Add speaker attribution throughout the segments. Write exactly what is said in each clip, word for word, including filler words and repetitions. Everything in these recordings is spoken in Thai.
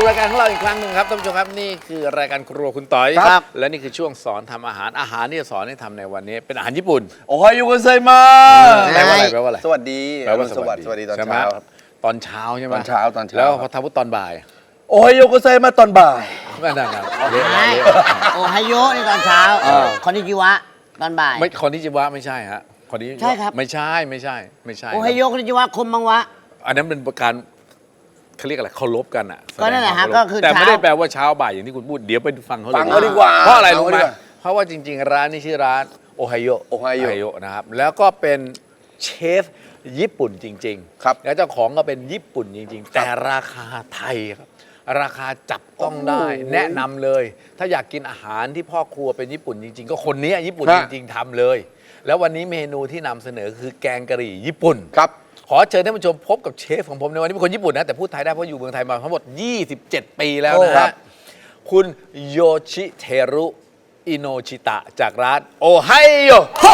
Speaker 1: รายการของเราอีกครั้งหนึ่งครับท่านผู้ชมครับนี่คือรายการครัวคุณต่อยครับและนี่คือช่วงสอนทำอาหารอาหารที่จะสอนให้ทำในวันนี้เป็นอาหารญี่ปุ่น
Speaker 2: โอไฮโอโกไซมา
Speaker 1: แปลว่าอะไรแปลว่าอะไร
Speaker 2: สวัสดี
Speaker 1: แปลว่าสวัสดี
Speaker 2: สวัสดีตอน
Speaker 1: ใช่ไหม
Speaker 2: เช้าครับ
Speaker 1: ตอนเช้าใช่ไหม
Speaker 2: ตอนเช้าตอนเช้า
Speaker 1: แล้วพอทำพุตอนบ่าย
Speaker 2: โอไฮโอโกไซมาตอนบ่าย
Speaker 1: ไม่นั่นนะ
Speaker 3: ใช่โอไฮโยในตอนเช้าคอนนิจิวะตอนบ่าย
Speaker 1: ไม่คนที่จิวะไม่ใช่ฮะคนนี้
Speaker 3: ใช่ครับ
Speaker 1: ไม่ใช่ไม่ใช่ไม่ใช่
Speaker 3: โอไฮโยคอนนิจิวะคมบังวะ
Speaker 1: อันนั้นเป็นการเขาเรียกอะไรเคารพกันอ่ะ
Speaker 3: ก็นั่นแหละฮะ
Speaker 1: สดงวาม
Speaker 3: ก็คือ
Speaker 1: แต่ไม่
Speaker 3: เช้า
Speaker 1: ได้แปลว่าเช้าบ่ายอย่างที่คุณพูดเดี๋ยวไปฟังเขาเลย
Speaker 2: ฟังเขาดีกว่า
Speaker 1: เพราะอะไรรู้ไหม
Speaker 2: ฟังเขาดีกว่า
Speaker 1: เพราะว่าจริง ๆ ร้านนี้ชื่อร้านโอไฮโอ
Speaker 2: โอไฮโอ
Speaker 1: นะครับแล้วก็เป็นเชฟญี่ปุ่นจริงๆ
Speaker 2: ครับ
Speaker 1: แล้วเจ้าของก็เป็นญี่ปุ่นจริง ๆ แต่ราคาไทยครับราคาจับต้องได้ แนะนำเลย ถ้าอยากกินอาหารที่พ่อครัวเป็นญี่ปุ่นจริง ๆ ก็คนนี้ญี่ปุ่นจริง ๆทำเลย แล้ววันนี้เมนูที่นำเสนอคือแกงกะหรี่ญี่ปุ่น
Speaker 2: ครับ
Speaker 1: ขอเชิญท่านผู้ชมพบกับเชฟของผมในวันนี้เป็นคนญี่ปุ่นนะแต่พูดไทยได้เพราะอยู่เมืองไทยมาทั้งหมดยี่สิบเจ็ดปีแล้วนะ
Speaker 2: ครั
Speaker 1: ฮะ
Speaker 2: บ
Speaker 1: คุณโยชิเทรุอิโนชิตะจากร้านโอไฮโอ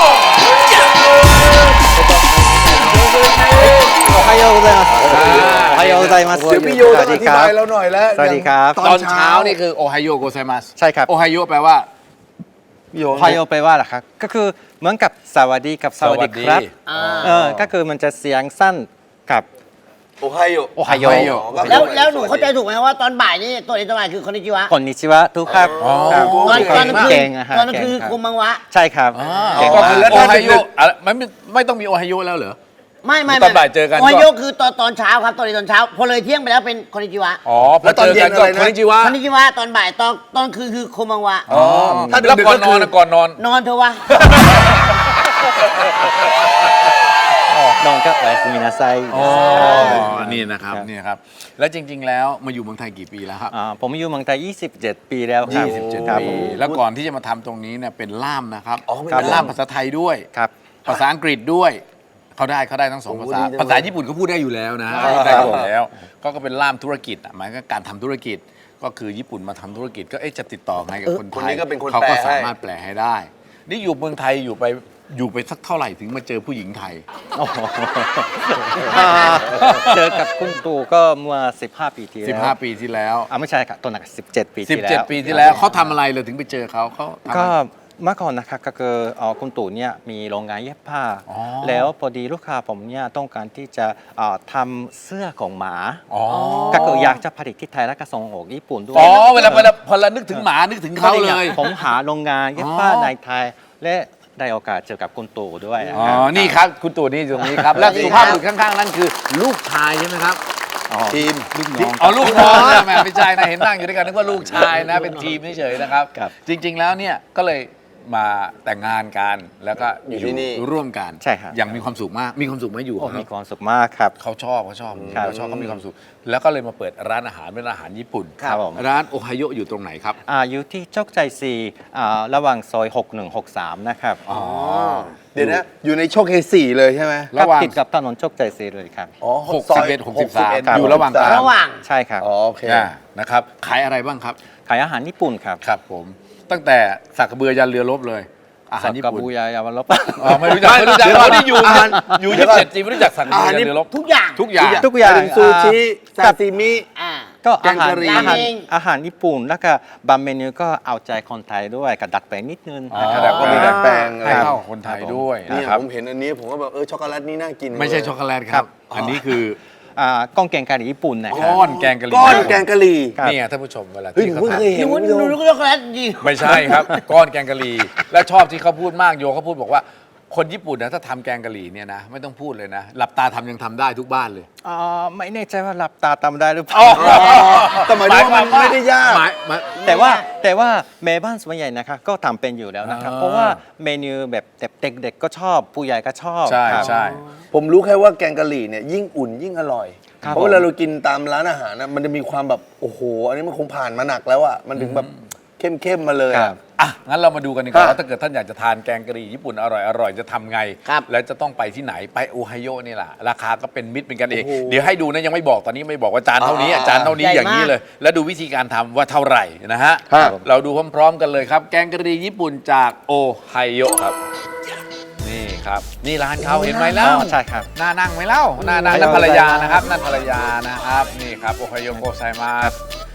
Speaker 4: おはようございます。おはようございます。
Speaker 2: เดี๋ยวพี่โยต้องอธิบายเราหน่อยแล้ว
Speaker 4: สวัสดีครับ
Speaker 1: ตอนเช้านี่คือโอไฮโอโกไซมัส
Speaker 4: ใช่ครับ
Speaker 1: โอไฮโอแปลว่า
Speaker 2: พี่โย
Speaker 4: おはようแปลว่าอะไรครับ ก็คือเหมือนกับสวัสดีกับสวัสดีครับ
Speaker 3: อ่า
Speaker 4: เออ ก็คือมันจะเสียงสั้นกับ
Speaker 2: โอไฮโอ
Speaker 4: โอไฮโอ
Speaker 3: แล้วแล้วหนูเข้าใจถูกไหมว่าตอนบ่ายนี่ตัวนี้ตอนบ่ายคือคอนนิจิวะ
Speaker 4: คนนิชิวะทุกครับ
Speaker 1: อ๋อ
Speaker 4: ครับ
Speaker 3: ตอนตอนกลางคืน
Speaker 4: เก่งอะฮะ
Speaker 3: ตอนกลางคืน
Speaker 4: เก่งรับ
Speaker 3: คมบังวะ
Speaker 4: ใช่ครับ
Speaker 1: อ่า
Speaker 4: เก่ง
Speaker 1: ก็
Speaker 4: มา
Speaker 1: คือก โอไฮโออะไรไม่ไม่ไม่ต้องมีโอไฮโอแล้วเหรอ
Speaker 3: ไม่ไม่
Speaker 1: ตอนบ่ายเจอกัน
Speaker 3: โอไฮโยคือตอนตอนเช้าครับตอนนี้ตอนเช้า พอเลยเที่ยงไปแล้วเป็นคอนนิจิวะ
Speaker 1: อ๋อพอเจอกันก็คนจิวะ
Speaker 3: คอนนิจิวะตอนบ่ายตอนตอนคืนคือคมบังวะ
Speaker 1: อ๋อถ้าแล้วก่อนนอนนะก่อนนอน
Speaker 3: นอนเถอะวะ
Speaker 4: น้องก็โอやすみなさい
Speaker 1: อ๋อนี่นะครับนี่นะครับ แล้วจริง ๆ แล้วมาอยู่เมืองไทยกี่ปีแล้วครับ
Speaker 4: อ่าผมอยู่เมืองไทยยี่สิบเจ็ด ปีแล้วครับ
Speaker 1: ยี่สิบเจ็ด
Speaker 4: ครับ
Speaker 1: ปี
Speaker 4: ผม
Speaker 1: แล้วก่อนที่จะมาทำตรงนี้เนี่ยเป็นล่ามนะครับ
Speaker 2: อ๋อเป็น
Speaker 1: เป็นล่ามภาษาไทยด้วย
Speaker 4: ครับ
Speaker 1: ภาษาอังกฤษด้วยเขาได้เขาได้ทั้งสองภาษา
Speaker 2: โอ้ดีจังเลย
Speaker 1: ภาษาญี่ปุ่นเขาพูดได้อยู่แล้วนะ
Speaker 2: อ่า
Speaker 1: พูดได้อยู่แล้ว ก็ก็เป็นล่ามธุรกิจอ่ะหมายก็การทำธุรกิจ ก็คือญี่ปุ่นมาทำธุรกิจก็เอ๊ะจะติดต่อไงกับคน
Speaker 2: คน
Speaker 1: ไท
Speaker 2: นี้
Speaker 1: ย
Speaker 2: ก็เป็นคน
Speaker 1: เขา
Speaker 2: แปล
Speaker 1: ก็
Speaker 2: ให้
Speaker 1: สามารถแปลให้ได้ นี่อยู่เมืองไทยอยู่ไปอยู่ไปสักเท่าไหร่ถึงมาเจอผู้หญิงไทย
Speaker 4: โอ้โหอ่าเจอกับคุณตู่ก็เมื่อสิบห้า ปีที่แล้ว
Speaker 1: สิบห้า ปีที่แล้ว
Speaker 4: อ่าไม่ใช่ครับตัวหนักสิบเจ็ด ปีที่แล้ว
Speaker 1: สิบเจ็ด ปีที่แล้วเขาทำอะไรเลยถึงไปเจอเขาเขาทำอะไร
Speaker 4: ก็เมื่อก่อนนะครับก็คือเอ่อคุณตู่เนี่ยมีโรงงานเย็บผ้า
Speaker 1: อ๋อ
Speaker 4: แล้วพอดีลูกค้าผมเนี่ยต้องการที่จะเอ่อทำเสื้อของหมา
Speaker 1: อ๋อ
Speaker 4: ก็คืออยากจะผลิตที่ไทยแล้วก็ส่งออกญี่ปุ่นด้วย
Speaker 1: อ๋อเวลาเวลาพอเรานึกถึงหมานึกถึงเขาเลย
Speaker 4: ผมหาโรงงานเย็บผ้า
Speaker 1: อ๋อ
Speaker 4: ในไทย และได้โอกาสเจอกับคุณตู่ด้วยนะ
Speaker 1: อ๋อ
Speaker 4: ครับ
Speaker 1: นี่ครับ คุณตู่นี่อยู่ตรงนี้ครับ และสุภาพบุรุษข้างๆ นั่นคือลูกชายใช่ไหมครับ
Speaker 4: อ๋อ
Speaker 2: ทีม
Speaker 4: ลูกน้อง
Speaker 1: อ๋อ ลูกน้องนะแหม่ไม่ใช่นะ เห็นนั่งอยู่ด้วยกันนึกว่าลูกชายนะ เป็นทีมเฉยๆนะครับ
Speaker 4: ครับ
Speaker 1: จริงๆ แล้วเนี่ยก็เลยมาแต่งงานกัน แล้วก็
Speaker 2: อยู่ที่นี่
Speaker 1: ร่วมกัน
Speaker 4: ใช่ครับ
Speaker 1: อย่างมีความสุขมาก มีความสุขไหมอยู่
Speaker 4: โอ้
Speaker 1: กับ
Speaker 4: มีค
Speaker 1: เขา
Speaker 4: วามสุขมากครับ
Speaker 1: เขาชอบเขาชอบ
Speaker 4: ครับ
Speaker 1: เขาชอบเขามีความสุข แล้วก็เลยมาเปิดร้านอาหารเป็นอาหารญี่ปุ่น
Speaker 4: ครับผม
Speaker 1: ร้านโอไฮโออยู่ตรงไหนครับ
Speaker 4: อ่าอยู่ที่โชคชัยสี่อ่าระหว่างซอยหกหนึ่งหกสามนะครับ
Speaker 1: อ๋อ
Speaker 2: เดี๋ยวนะ อยู่ในโชคเฮสี่เลยใช่ไหม
Speaker 1: ระหว่าง
Speaker 4: ติดกับถนนโชคชัยสี่เลยครับ
Speaker 2: อ๋อ
Speaker 1: หกสิบเอ็ด หกสิบสาม
Speaker 2: ครับ
Speaker 1: อยู่ระหว่างกลาง
Speaker 3: ระหว่าง
Speaker 4: ใช่ครับ
Speaker 2: อ๋อโอเค
Speaker 1: อ่านะครับ ขายอะไรบ้างครับ
Speaker 4: ขายอาหารญี่ปุ่นครับ
Speaker 1: ครับผม ตั้งแต่สักกระเบือยันเรือรบเลย อาหาร
Speaker 4: สัก
Speaker 1: ญี่
Speaker 4: กระ
Speaker 1: ปุ่น
Speaker 4: บูยายาวรบ
Speaker 1: อ๋อไม่รู้จักไม่รู้จักเราที่อยู่เนี่ยอยู่ยี่สิบเจ็ดปีไม่รู้จักสักกระเบือยันเรือรบ
Speaker 3: ทุกอย่าง
Speaker 1: ทุกอย่าง
Speaker 4: ทุกอย่าง
Speaker 2: เป็นซูชิซาซิมิ
Speaker 3: อ่า
Speaker 4: ก็อาหาร
Speaker 2: แกงกะหรี่
Speaker 4: อาหาร
Speaker 3: ราเมง
Speaker 4: อาหารญี่ปุ่นแล้วก็บางเมนูก็เอาใจคนไทยด้วยกับดัดแปลงนิดนึง
Speaker 1: อ๋อ
Speaker 4: นะครับ
Speaker 1: แต่ก็มีดัดแปลง
Speaker 2: ค
Speaker 1: ให้
Speaker 2: รับ
Speaker 1: เข้ากับคนไทยด้วย
Speaker 2: เนี่ย
Speaker 1: นะครับ
Speaker 2: ผมเห็นอันนี้ผมก็แบบเออช็อกโกแลตนี่น่ากิน
Speaker 1: ไม่ใช่ช็อกโกแลตครับ อันนี้คือ
Speaker 4: อ่าก้องแกงกะหรี่ญี่ปุ่นนะครั
Speaker 1: ก้อนแกงกะหรี่
Speaker 2: ก้อนแกงกะหรี่
Speaker 4: ครับ
Speaker 1: นี่ไงท่านผู้ชมเวลา
Speaker 2: เฮ้ย
Speaker 1: ที่
Speaker 2: ผม
Speaker 1: เขา
Speaker 2: เพิ่งเคย
Speaker 1: ทำ
Speaker 2: เห็น
Speaker 3: หนู
Speaker 2: คุณผู้ช
Speaker 3: หนู
Speaker 2: ม
Speaker 3: รู้ก็ช็อกโกแลตจริง
Speaker 1: ไม่ใช่ครับ ก้อนแกงกะหรี่และชอบที่เขาพูดมากโยเขาพูดบอกว่า คนญี่ปุ่นนะถ้าทำแกงกะหรี่เนี่ยนะไม่ต้องพูดเลยนะ หลับตาทำยังทำได้ทุกบ้านเลย
Speaker 4: อ่าไม่แน่ใจว่าหลับตาทำได้หรือเปล่า
Speaker 2: แต่หมายถึงว่ามันไม่ได้ยาก
Speaker 1: หมายหมาย
Speaker 4: แต่ว่าแต่ว่าแม่บ้านส่วนใหญ่นะคะก็ทำเป็นอยู่แล้วนะครับ
Speaker 1: อ่า
Speaker 4: เพราะว่าเมนูแบบเด็กๆก็ชอบผู้ใหญ่ก็ชอบ
Speaker 1: ใช่
Speaker 4: ครับ
Speaker 1: ใช่
Speaker 2: ผมรู้แค่ว่าแกงกะหรี่เนี่ยยิ่งอุ่นยิ่งอร่อย
Speaker 4: ครับ
Speaker 2: เพราะเวลาเรากินตามร้านอาหารนะมันจะมีความแบบโอ้โห อันนี้มันคงผ่านมาหนักแล้วอ่ะมันถึงแบบเข้มๆมาเลย
Speaker 4: ค
Speaker 2: อะ
Speaker 4: รับ
Speaker 1: อ่ะงั้นเรามาดูกันดีกว่า
Speaker 2: ครับ
Speaker 1: ว่าถ้าเกิดท่านอยากจะทานแกงกะหรี่ญี่ปุ่นอร่อยอร่อยจะทำไง
Speaker 3: ครับ
Speaker 1: แล้วจะต้องไปที่ไหนไปโอไฮโอนี่แหละราคาก็เป็นมิตรเป็นกันเอง
Speaker 2: โอ้โห
Speaker 1: เดี๋ยวให้ดูนะยังไม่บอกตอนนี้ไม่บอกว่าจานเท่านี้
Speaker 2: อ่า
Speaker 1: จานเท่านี้
Speaker 3: ใหญ่
Speaker 1: อย่างนี้
Speaker 3: มาก
Speaker 1: เลย แล้วดูวิธีการทำว่าเท่าไหร่นะฮะ
Speaker 2: ครับ
Speaker 1: เราดูพร้อมๆกันเลยครับ แกงกะหรี่ญี่ปุ่นจากโอไฮโอครับนี่ครับนี่ร้านเขาเห็นไหมแล้ว
Speaker 4: อ๋อใช่ครับ
Speaker 1: น่านั่งไหมเล่าน่านั่ง
Speaker 4: โอไฮโอ
Speaker 1: นั่นภรรยานะครับนั่นภรรยานะครับนี่ครับโอไฮโอโกไซมาส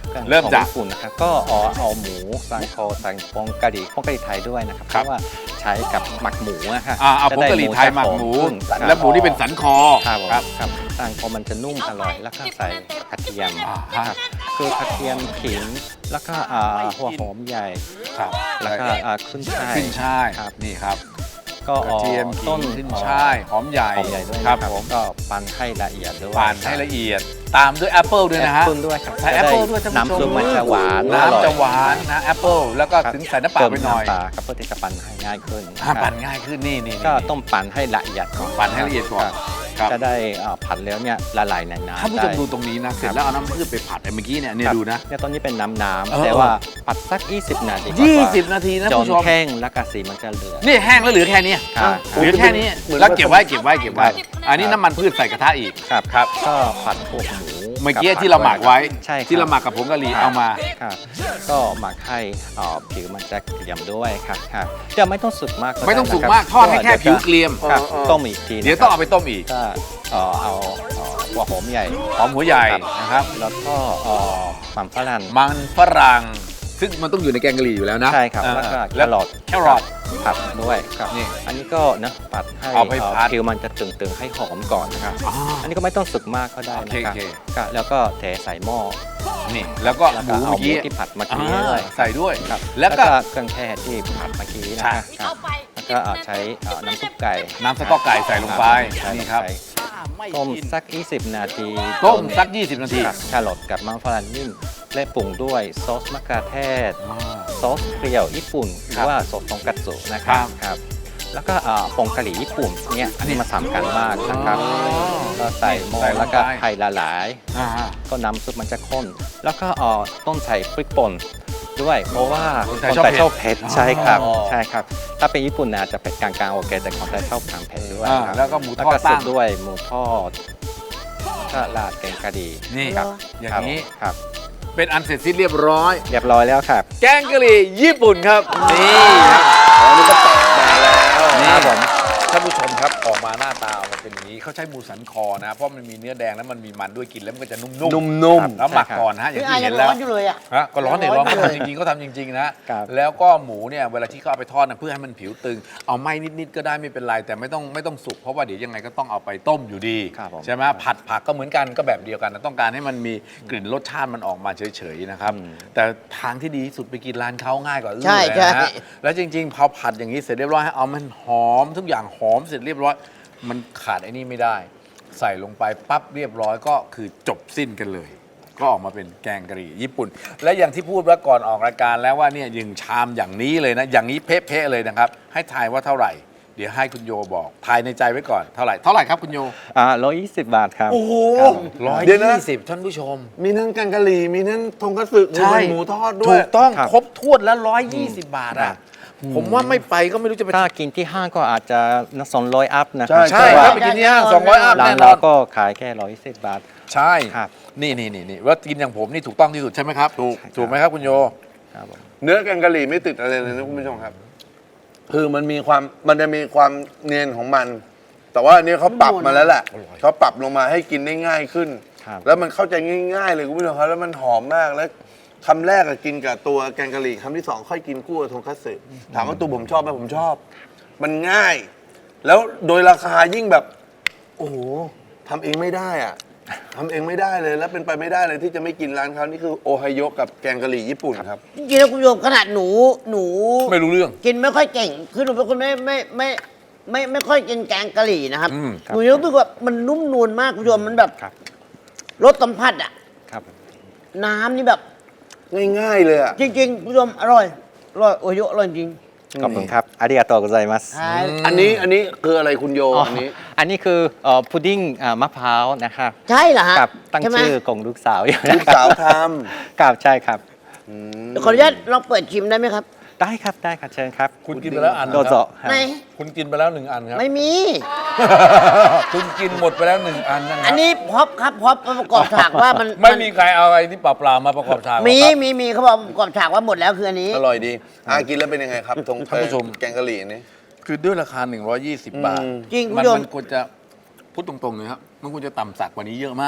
Speaker 4: เครื่อง
Speaker 1: เริ่ม
Speaker 4: ของ
Speaker 1: จาก
Speaker 4: ญี่ปุ่นนะครับก็เอาเอาหมูสันคอสันปองกะหรี่ปองกะหรี่ไทยด้วยนะครับ
Speaker 1: ค
Speaker 4: เพ
Speaker 1: รับ
Speaker 4: ราะว่าใช้กับหมักหมูนะคะ
Speaker 1: อ่าเอา
Speaker 4: จะ
Speaker 1: ผง
Speaker 4: ได้
Speaker 1: กะหรี่ไทยหมักหมู
Speaker 4: จะหอขึ้น
Speaker 1: และหมูที่เป็นสันคอ
Speaker 4: ครับผม
Speaker 1: ครับ
Speaker 4: ครับสันคอมันจะนุ่มอร่อย แล้วก็ใส่กระเทียม
Speaker 1: อ่า
Speaker 4: ค
Speaker 1: ฮะ
Speaker 4: รับคือกระเทียมขิงแล้วก็อ่าหัวหอมใหญ่
Speaker 1: ครับ
Speaker 4: แล้วก็อ่าขึ้นช่าย
Speaker 1: ขึ้นช่าย
Speaker 4: ครับ
Speaker 1: นี่ครับ
Speaker 4: ก็
Speaker 1: กระเทียมขิ
Speaker 4: ต้น
Speaker 1: งขึ้นช่ายหอมใหญ่
Speaker 4: หอมใหญ่ด้วย
Speaker 1: ครับ
Speaker 4: นะ
Speaker 1: ผม
Speaker 4: ก็ปั่นให้ละเอียดด้วย
Speaker 1: ปั่นให้ละเอียด ตามด้วยแอปเปิลด้วยนะฮะ
Speaker 4: แอปเปิ้ลด้วยครับ
Speaker 1: ใส่แอปเปิลด้วยท่านผู้ชม
Speaker 4: น้ำซุปมันจะหวานอร่อย
Speaker 1: น้ำจะหวานนะแอปเปิลแล้วก็
Speaker 4: ครับ
Speaker 1: ถึงใส่น้ำเปล่าไปหน่อย
Speaker 4: เติมำปลาครับเพื่อที่จะปั่นให้ง่ายขึ้น
Speaker 1: อ่าปั่นง่ายขึ้นนี่นี่นี่
Speaker 4: ก็ต้องปั่นให้ละเอียดก่อน
Speaker 1: ปั่นให้ละเอียดก่อน
Speaker 4: ครับ
Speaker 1: ครับ
Speaker 4: จะได้อ่าผัดแล้วเนี่ยละลายในน้ำ
Speaker 1: ท่านผู้ชม
Speaker 4: ได้
Speaker 1: ดูตรงนี้นะ เสร็จแล้วเอาน้ำพืชไปผัดไอ้เมื่อกี้เนี่ยเนี่ย
Speaker 4: ครับ
Speaker 1: ดูนะ
Speaker 4: เนี่ยตอนนี้เป็นน้ำน้
Speaker 1: เออ
Speaker 4: ำแต่ว่าผัดสัก ยี่สิบ นาที
Speaker 1: ยี่สิบนาทีนะ
Speaker 4: จน
Speaker 1: ผู้ชม
Speaker 4: แห้งแล้วก็สีมันจะเหลือง
Speaker 1: นี่แห้งแล้วเหลือแค่นี้
Speaker 4: ครับ
Speaker 1: เหลือแค่นี้
Speaker 2: เหมือน
Speaker 1: แล้วเก็บไว้เก็บไว้เก็บไว้
Speaker 4: ครับ
Speaker 1: อันนี้น้ำมันพืชใส่กระทะอีก
Speaker 4: ครับ
Speaker 1: ครับ
Speaker 4: ก็ผัดพวกหมู
Speaker 1: เมื่อกี้
Speaker 4: บผั
Speaker 1: ที่เราหมักไว้
Speaker 4: ใช่ครับ
Speaker 1: ที่เราหมักกับผงกะหรี่เอามา
Speaker 4: ครับก็หมักให้อ่าผิวมันจะเกรียมด้วยครับครับจะไม่ต้องสุกมาก
Speaker 1: ไม่ต้องสุก
Speaker 4: ด้นะ
Speaker 1: มากทอดให้แค่ผิวเกรียม
Speaker 4: ครับ
Speaker 2: เออ
Speaker 4: ต้มอีกที
Speaker 1: เดี๋ยวต้องเอาไปต้มอีก
Speaker 4: ก็เอ่อเอาเอ่อหัวหอมใหญ่
Speaker 1: หอมหัวใหญ่
Speaker 4: ครับ
Speaker 1: นะครับ
Speaker 4: แล้วก็เอ่อมันฝรั่ง
Speaker 1: มันฝรั่งซึ่งมันต้องอยู่ในแกงกะหรี่อยู่แล้วนะ
Speaker 4: ใช่ครับ
Speaker 1: อ่า
Speaker 4: แล้วก็แค
Speaker 1: แล้ว
Speaker 4: รอท
Speaker 1: แครอท
Speaker 4: ผัดด้วยครับ
Speaker 1: นี่
Speaker 4: อันนี้ก็นะผัดให้
Speaker 1: เอาไป
Speaker 4: เอ่อ
Speaker 1: ผัด
Speaker 4: ผิวมันจะตึงๆให้หอมก่อนนะครับ
Speaker 1: อ่า
Speaker 4: อันนี้ก็ไม่ต้องสุกมากก็ได้นะครับ
Speaker 1: โอเคโอเค
Speaker 4: ก็แล้วก็เทใส่หม้อ
Speaker 1: นี่แล้วก็
Speaker 4: แล้ว
Speaker 1: ห
Speaker 4: ก็
Speaker 1: มู
Speaker 4: เอา
Speaker 1: เมื่อ
Speaker 4: หมู
Speaker 1: กี้
Speaker 4: ที่ผัดเมื่อ
Speaker 1: อ่า
Speaker 4: กี้ด้วย
Speaker 1: ใส่ด้วย
Speaker 4: ครับ
Speaker 1: แล้
Speaker 4: แล้ว ว
Speaker 1: ก็
Speaker 4: ก็เครื่องเทศที่ผัดเมื่อกี้นะ
Speaker 1: ใช่
Speaker 4: ครับแล้วก็เอาใช้เอ่อน้ำซุปไก่
Speaker 1: น้ำสต๊อกไก่ใส่ลงไป
Speaker 4: ใส่ลง
Speaker 1: นี่ครับ
Speaker 4: ไปต้มสัก ยี่สิบ นาที
Speaker 1: ต้มสักยี่สิบนาที
Speaker 4: กับแครอทกับมันฝรั่งนิ่มและปรุงด้วยซอสมะเขือเทศ
Speaker 1: อ่า
Speaker 4: ซอสเปรี้ยวญี่ปุ่นห
Speaker 1: ครั
Speaker 4: รื
Speaker 1: บ
Speaker 4: อว่าซอสทงคัตสึนะครับ
Speaker 1: ครับ
Speaker 4: ครับ แล้วก็อ่าผงกะหรี่ญี่ปุ่นเนี่ยอันนี้มาสำคัญมากนะครับ
Speaker 1: อ๋อ
Speaker 4: ก็ใส่หม้อ
Speaker 1: ใส่ลงไป
Speaker 4: แล้วก็ไข่ละลาย
Speaker 1: อ่า
Speaker 4: ก็น้ำซุปมันจะข้น แล้วก็เอ่อต้องใส่พริกป่นด้วย เพราะว่า
Speaker 1: คนไท
Speaker 4: ค
Speaker 1: ย
Speaker 4: น
Speaker 1: ชอบ
Speaker 4: ไทย
Speaker 1: เผ็ด
Speaker 4: ชอบเผ็ดใช่ครับ
Speaker 1: อ๋อ
Speaker 4: ใช่ครับ ถ้าเป็นญี่ปุ่นนะจะเผ็ดกลางๆโอเคแต่คนไทยชอบทานเผ็ดด้วย
Speaker 1: อ่า
Speaker 4: ครับ
Speaker 1: แล้วก็หมูท
Speaker 4: แล้ว
Speaker 1: อด
Speaker 4: ก็สุ
Speaker 1: ตั้
Speaker 4: ด
Speaker 1: ง
Speaker 4: ด้วยหมูทอดก็ราดแกงกะหรี่
Speaker 1: นี่
Speaker 3: ครับ
Speaker 1: อย่างนี้
Speaker 4: ครับ
Speaker 1: เป็นอันเสร็จสิ้นเรียบร้อย
Speaker 4: เรียบร้อยแล้วครับ
Speaker 1: แกงกะหรี่ญี่ปุ่นครับ นี่ครับ
Speaker 2: อ๋อนี่ก็ตัดมาแล้ว
Speaker 1: นี่
Speaker 4: ครับผม
Speaker 1: ท่านผู้ชมครับออกมาหน้าตาออกมาเป็นอย่างนี้เขาใช้หมูสันคอนะ เพราะมันมีเนื้อแดงแล้วมันมีมันด้วยกินแล้วมันก็จะนุ่มๆ
Speaker 2: นุ่ม
Speaker 1: ครับแล้วหมักก่อนนะฮะอย่าง
Speaker 3: พี่อา
Speaker 1: ที่
Speaker 3: ยั
Speaker 1: เห็
Speaker 3: ง
Speaker 1: น
Speaker 3: ร้
Speaker 1: แล้
Speaker 3: อ
Speaker 1: วน
Speaker 3: อยู่เลยอ่ะ
Speaker 1: ฮะก็ร้อนเนี่ยร้อนเขา
Speaker 3: ร้อน
Speaker 1: ทำจริงๆเขาทำจริง ๆ นะ
Speaker 4: ครับ
Speaker 1: แล้วก็หมูเนี่ยเวลาที่เขาเอาไปทอดนะเพื่อให้มันผิวตึง เอาไหม้นิดๆก็ได้ไม่เป็นไรแต่ไม่ต้องไม่ต้องสุกเพราะว่าเดี๋ยวยังไงก็ต้องเอาไปต้มอยู่ดี
Speaker 4: ครับผม
Speaker 1: ใช่ไหมผัดผักก็เหมือนกันก็แบบเดียวกันนะต้องการให้มันมีกลิ่นรสชาติมันออกมาเฉยๆนะครับ
Speaker 4: อืม
Speaker 1: แต่ทางที่ดีที่สุดไปกินร้านเขาง่ายกว่าอื่น
Speaker 3: ใช่
Speaker 1: เลยนะ
Speaker 3: ใช่
Speaker 1: ฮะแล้วจริงๆพอผัดอย่างนี้เสร็จเรียบร้อยให้เอามันหอมทุกอย่างหอมเสร็จเรียบร้อย มันขาดไอ้นี่ไม่ได้ ใส่ลงไปปั๊บเรียบร้อยก็คือจบสิ้นกันเลย ก็ออกมาเป็นแกงกะหรี่ญี่ปุ่น และอย่างที่พูดว่าก่อนออกรายการแล้วว่าเนี่ยยิงชามอย่างนี้เลยนะ อย่างนี้เป๊ะๆเลยนะครับ ให้ทายว่าเท่าไหร่ เดี๋ยวให้คุณโยบอกทายในใจไว้ก่อนเท่าไหร่เท่าไหร่ครับคุณโย
Speaker 4: อ่าร้อยยี่สิบบาทครับ
Speaker 2: โอ้โห
Speaker 1: ร้อย
Speaker 2: เดี๋ยวนะ
Speaker 1: ยี่สิบท่านผู้ชม
Speaker 2: มีทั้งแกงกะหรี่ มีทั้งทงคัตสึมี
Speaker 1: ใช่
Speaker 2: ทั้งหมูทอดด้ว
Speaker 1: ถู
Speaker 2: ย
Speaker 1: กต้อง
Speaker 4: ครับ
Speaker 1: ครบถ้วนแล้วร้อยยี่สิบบาท
Speaker 4: ครั
Speaker 1: อ่ะ
Speaker 4: บ
Speaker 1: ผมว่าไม่ไปก็ไม่รู้จะไป
Speaker 4: ถ้ากินที่ห้างก็อาจจะสองร้อยอัพนะค
Speaker 2: ใช่
Speaker 4: รับ
Speaker 1: ใช่
Speaker 4: แต่
Speaker 1: ครั
Speaker 4: ว่า
Speaker 1: บไปกินที่ห้างสองร้อยอัพ
Speaker 4: ร้าน
Speaker 1: แน่น
Speaker 4: เรา
Speaker 1: อน
Speaker 4: ก็ขายแค่ร้อยสิบบาท
Speaker 1: ใช่
Speaker 4: ครับ
Speaker 1: นี่นี่นี่นี่ว่ากินอย่างผมนี่ถูกต้องที่สุดใช่ไหมครับ
Speaker 2: ถูก
Speaker 1: ถูกไหมครับคุณโย
Speaker 4: ครับผม
Speaker 2: เนื้อแกงกะหรี่ไม่ติดอะไรเลยนะคุณผู้ชมครับ คือมันมีความมันจะมีความเนียนของมัน แต่ว่าอันนี้เขาปรับมาแล้วแหละ
Speaker 1: อร่อย
Speaker 2: เขาปรับลงมาให้กินได้ง่ายขึ้น
Speaker 4: ครับ
Speaker 2: แล้วมันเข้าใจง่ายๆเลยคุณผู้ชมครับแล้วมันหอมมากแล้วคำแรกอะกินกับตัวแกงกะหรี่คำที่สองค่อยกินคู่กับทงคัตสึถามว่าตัวผมชอบไหมผมชอบ มันง่าย แล้วโดยราคายิ่งแบบ โอ้โหทำเองไม่ได้อะทำเองไม่ได้เลยแล้วเป็นไปไม่ได้เลยที่จะไม่กินร้านเขานี่คือโอไฮโยกับแกงกะหรี่ญี่ปุ่นครับ
Speaker 3: จริงๆแล้วคุณผู้ชมขนาดหนูหนู
Speaker 1: ไม่รู้เรื่อง
Speaker 3: กินไม่ค่อยเก่ง คือหนูเป็นคนไม่ไม่ไม่ไม่ไม่ค่อยกินแกงกะหรี่นะครับ
Speaker 1: อืม
Speaker 3: หนูยังรู้สึกว่ามันนุ่มนวลมากคุณผู้ชมมันแบบ
Speaker 4: ครับ
Speaker 3: รสสัมผัสอะ
Speaker 4: ครับ
Speaker 3: น้ำนี่แบบ
Speaker 2: ง่ายๆเลยอะ
Speaker 3: จริงๆคุณผู้ชมอร่อยอร่อยโอโยอร่อยจริง
Speaker 4: ขอบคุณครับอาริยาโตะกุไซมัส
Speaker 3: ใช่
Speaker 2: อันนี้อันนี้คืออะไรคุณโย
Speaker 4: อ๋อ
Speaker 2: อันนี้
Speaker 4: อันนี้คือเอ่อพุดดิ้งอ่ามะพร้าวนะครับ
Speaker 3: ใช่เหรอฮะ
Speaker 4: กับตั้ง
Speaker 3: ใช่ไหม
Speaker 4: ชื่อของลูกสาวอยู่
Speaker 2: ลูกสาวท
Speaker 4: ครับใช่ครับ
Speaker 3: เดี๋ยวขออนุญาตลองเปิดชิมได้ไหมครับ
Speaker 4: ได้ครับได้ครับเชิญครับ
Speaker 1: คุณกินไปแล้วอัน
Speaker 4: โดโซะ
Speaker 3: ไหน
Speaker 1: คุณกินไปแล้วหนึ่งอันครับ
Speaker 3: ไม่มี
Speaker 1: คุณกินหมดไปแล้วหนึ่งอันนะค
Speaker 3: อั
Speaker 1: รั
Speaker 3: น
Speaker 1: บ
Speaker 3: นี้พร็อพครับพร็อพมาประกอบฉากว่ามัน
Speaker 1: ไม่มีใครเอาอะไรที่เปล่าๆมาประกอบฉากหรอก
Speaker 3: มี
Speaker 1: ครับ
Speaker 3: มีมีเขาบอกประกอบฉากว่าหมดแล้วคืออันนี้
Speaker 2: ำอร่อยดีอากินแล้วเป็นยังไงครับทง
Speaker 1: ท่านผู้ชม
Speaker 2: แกงกะหรี่นี่
Speaker 1: คือด้วยราคา หนึ่งร้อยยี่สิบ บาท
Speaker 2: อืม
Speaker 3: จริงคุณ
Speaker 1: มัน
Speaker 3: ผู้ชม
Speaker 1: มันควรจะพูดตรงๆเลยครับมันควรจะต่ำสักกว่านี้เยอะมาก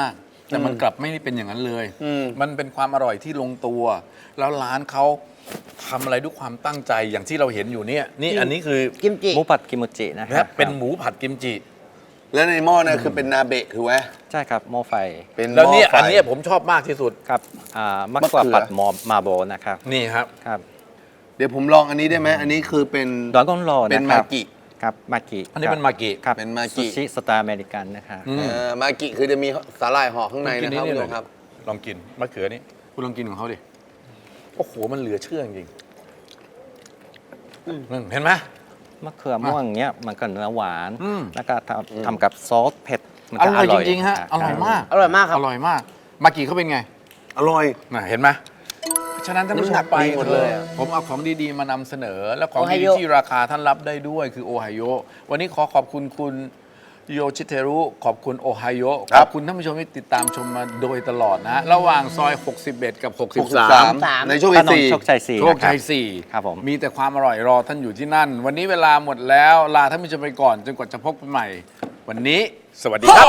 Speaker 1: แต่มันกลับไม่ได้เป็นอย่างนั้นเลย
Speaker 2: อืม
Speaker 1: มันเป็นความอร่อยที่ลงตัว แล้วร้านเขาทำอะไรด้วยความตั้งใจอย่างที่เราเห็นอยู่เนี่ยนี่อันนี้คือ
Speaker 3: กิมจิ
Speaker 4: หมูผัดกิมจินะค
Speaker 1: นะ
Speaker 4: รับ
Speaker 1: เป็นหมูผัดกิมจิ
Speaker 2: แล้วในหม้อเนี่ยคือเป็นนาเบะถูกไหม
Speaker 4: ใช่ครับหม้อไฟ
Speaker 2: เป็นห
Speaker 1: แล้ว
Speaker 2: ม้อ
Speaker 1: เนี่ย
Speaker 2: ไฟ
Speaker 1: อันเนี้ยผมชอบมากที่สุด
Speaker 4: ครับอ่ามะ
Speaker 2: มะ
Speaker 4: กว่า
Speaker 2: เขือ
Speaker 4: ผัดหมอมาโบนะครับ
Speaker 1: นี่ครับ
Speaker 4: ครับ
Speaker 2: เดี๋ยวผมลองอันนี้ได้ไหมอันนี้คือเป็น
Speaker 4: ดราก้อนโร
Speaker 2: เป็
Speaker 4: นะ
Speaker 2: น
Speaker 4: ค
Speaker 2: มา
Speaker 4: รับ
Speaker 2: กิ
Speaker 4: ครับมากิ
Speaker 1: อันนี้เป็นมากิ
Speaker 4: ครับ
Speaker 2: เป็นมากิ
Speaker 4: ซูชิสไตล์อเมริกันนะครับ
Speaker 1: อืม
Speaker 2: เออมากิคือจะมีสาหร่ายห่อข้างใน
Speaker 1: กิ
Speaker 2: นะครับ
Speaker 1: นี่
Speaker 2: คุณ
Speaker 1: เล
Speaker 2: ผู้ช
Speaker 1: ย
Speaker 2: มครับ
Speaker 1: ลองกินมะเขือนี่คุณลองกินของเขาดิโอ้โหมันเหลือเชื่อจริงๆนั่นเห็นไหม
Speaker 4: มะเขือม่วงเนี้ยมันก็เนื้อหวาน
Speaker 1: อืม
Speaker 4: แล้วก็ทำทำกับซอสเผ็ดมัน
Speaker 1: อ
Speaker 4: ก็
Speaker 1: ร่อยจริงๆฮะ
Speaker 4: คบ
Speaker 1: อร่อยมาก
Speaker 3: อร่อยมากครับ
Speaker 1: อร่อยมาก มากิเขาเป็นไง
Speaker 2: อร่อย
Speaker 1: น่ะเห็นไหมฉะนั้นท่านผู้ช
Speaker 2: น้ำหนั
Speaker 1: ม
Speaker 2: ก
Speaker 1: ไป
Speaker 2: ดีหมดเลยอะ
Speaker 1: ผมเอาของดีๆมานำเสนอ และของ
Speaker 3: โอไฮ
Speaker 1: ดี
Speaker 3: โอ
Speaker 1: ๆที่ราคาท่านรับได้ด้วยคือโอไฮโอวันนี้ขอขอบคุณคุณโยชิเทรุขอบคุณโอไฮโอขอบคุณท่านผู้ชมที่ติดตามชมมาโดยตลอดนะ ระหว่างซอย หกสิบเอ็ด กับ
Speaker 2: หกสิบ
Speaker 1: หกสิบสา
Speaker 2: สาม
Speaker 1: ม
Speaker 2: ในช่วง
Speaker 4: ถ
Speaker 2: ที่
Speaker 4: นน
Speaker 2: สี่
Speaker 4: โชคชัยสี่
Speaker 1: โชคชัย
Speaker 4: นะ
Speaker 1: สี่
Speaker 4: ครับผม
Speaker 1: มีแต่ความอร่อยรอท่านอยู่ที่นั่น วันนี้เวลาหมดแล้วลาท่านผู้ชมไปก่อนจนกว่าจะพบกันใหม่ วันนี้ สวัสดีครับ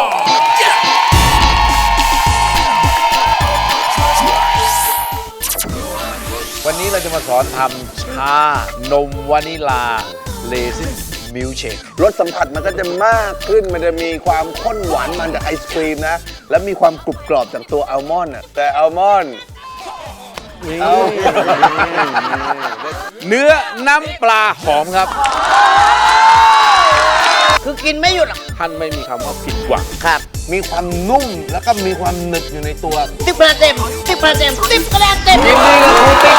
Speaker 1: วันนี้เราจะมาสอนทำชานมวานิลาเลซินมิลเชค
Speaker 2: รสสัมผัสมันก็จะมากขึ้น มันจะมีความข้นหวานมันจากไอศครีมนะ แล้วมีความกรุบกรอบจากตัวอัลมอนด์อะแต่อัลมอนด์เอา
Speaker 1: เนื้อน้ำปลาหอมครับ
Speaker 3: คือกินไม่หยุดหรอก
Speaker 1: ท่านไม่มีคำว่าผิดหวัง
Speaker 3: ครับ
Speaker 2: มีความนุ่มแล้วก็มีความหนึบอยู่ในตัว
Speaker 3: สิบคะแนนเต็มสิบคะแนนเต็มสิบคะแนนเต็ม
Speaker 1: ยินดีกับคุณเต้